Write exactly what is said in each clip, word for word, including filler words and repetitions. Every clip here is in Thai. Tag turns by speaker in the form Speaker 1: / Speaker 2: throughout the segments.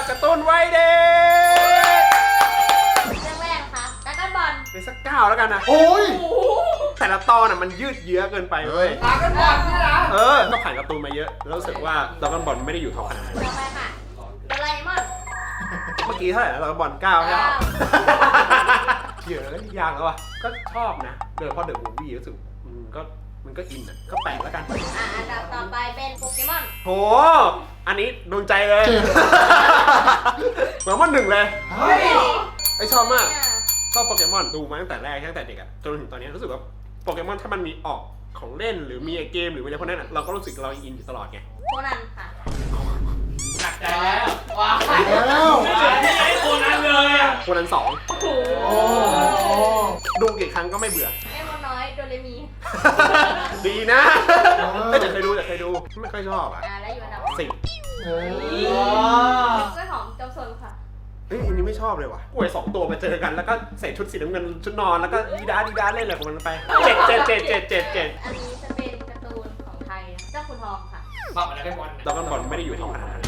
Speaker 1: การ์ตูนวัยเด็ก
Speaker 2: เรื่องแรกนะคะดราก้อนบอล
Speaker 1: เป็นสักเก้าแล้วกันนะ
Speaker 3: โอ้ย
Speaker 1: แต่ละตอนอ่ะมันยืดเยื้อเกินไปเว้ย
Speaker 3: ดราก้อนบอลนี่นะ
Speaker 1: เออต้องผ่านการ์ตูนมาเยอะแล้วรู้สึกว่าดราก้อนบอลไม่ได้อยู่ท็อปขนาดนั้น
Speaker 2: ต่อไปค่ะโดราเอมอน
Speaker 1: เมื่อกี้เท่าไหร่นะดราก้อนบอลเก้าใช่ไหมเยอะแล้วยากแล้วอ่ะก็ชอบนะโดยเฉพาะเดอะมูฟวี่รู้สึกมันก็มันก็อินอ่ะก็แปลกแล้วกัน
Speaker 2: อ่าอันดับต่อไปเป็นโปเกมอน
Speaker 1: โหอันนี้โดนใจเลยเหมือนมันหนึ่งเลย
Speaker 3: เฮ้ย
Speaker 1: ไอชอบมากชอบโปเกมอนดูมาตั้งแต่แรกตั้งแต่เด็กอะจนถึงตอนนี้รู้สึกว่าโปเกมอนถ้ามันมีออกของเล่นหรือมีเกมหรืออะไรพวกนั้นเราก็รู้สึกเราอินอยู่ตลอดไง
Speaker 2: โคนันค่ะ
Speaker 4: หนักใจแล้วว้า
Speaker 3: แล้ว
Speaker 4: ไม่ใช่โคนันเลยอ่ะ
Speaker 1: โคนันสอง
Speaker 3: โอ้
Speaker 1: ดูกี่ครั้งก็ไม่เบื่อ
Speaker 2: เอมอนน้อยโดเรมี
Speaker 1: ดีนะไม่แต่เคยดูแต่เคยดูไม่ค่อยชอบอะ
Speaker 2: อ่าและอยู่อันดับ
Speaker 1: สิบ
Speaker 3: เฮ้ย
Speaker 2: กล้วยหอมจอมซนค่ะ
Speaker 1: เฮ้ยอันนี้ไม่ชอบเลยว่ะกล้วยสองตัวมาเจอกันแล้วก็ใส่ชุดสีน้ำเงินชุดนอนแล้วก็ดีด้าดีด้าเล่นอะไรของมันไปเจ็ดเจ็ดเจ็ดเจ็ดเจ็ดเจ็ด
Speaker 2: อันนี้จะเป็นการ์ตูนของไทยเจ้าขุนทองค่ะ
Speaker 4: บอกมาแล้วได้บอล
Speaker 1: ดราก้อนบอลไม่ได้อยู่ท็อปขนาดนั้น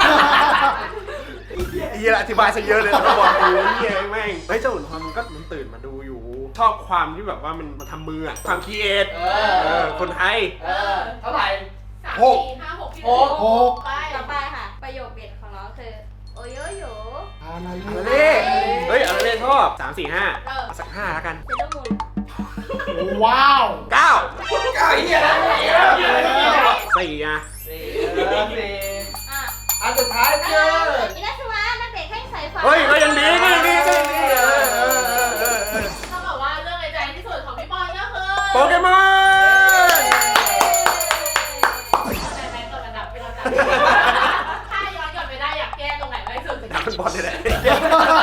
Speaker 1: เฮียอธิบายซะเยอะเลยดราก้อนบอลกูเฮียแม่งเฮ้ยเจ้าขุนทองมันก็มันตื่นมาดูอยู่ชอบความที่แบบว่ามันมันทำมืออะความคิดเอท
Speaker 4: เอ
Speaker 1: เอ
Speaker 4: อ
Speaker 1: อคนไทย
Speaker 4: เออเท่าไหร่
Speaker 3: หก
Speaker 2: ห้าหก
Speaker 4: หก
Speaker 3: หก
Speaker 2: ไปต่อไปค่ะ ประโยคเด็ดของน้องคือโอโยโย
Speaker 3: อะไร
Speaker 1: อะไร
Speaker 3: เนี่ย
Speaker 1: เฮ้ยอะไรเล่นชอบสามสี่ห้าเอาสักห้าแล้วกัน
Speaker 2: เซเลอร์มูน
Speaker 3: ว้าว
Speaker 1: เก้า
Speaker 4: เก้าเฮียแล้วเฮียเฮียแล้ว
Speaker 1: สี่อะ
Speaker 4: สี่สี่
Speaker 2: อ่ะ
Speaker 3: อันสุดท้าย
Speaker 2: เอ
Speaker 3: คือ
Speaker 2: ออินาสวะนักเตะแข้งสายฟ้า
Speaker 1: เฮ้ยก็ยังดีก็ยังดีก็ยังดีเออเออเออเออเออ
Speaker 5: ถ้าบอกว่าเรื่องในใจที่สุดของพี่บอลก็คือ
Speaker 1: โปเกมอน
Speaker 5: แต่แม่กดอันดับเป็นอันดับถ้าย้อนกลับไปได้อยากแก้ตรงไหนมากที่สุด
Speaker 1: ดราก้อนบอลนี่แหละ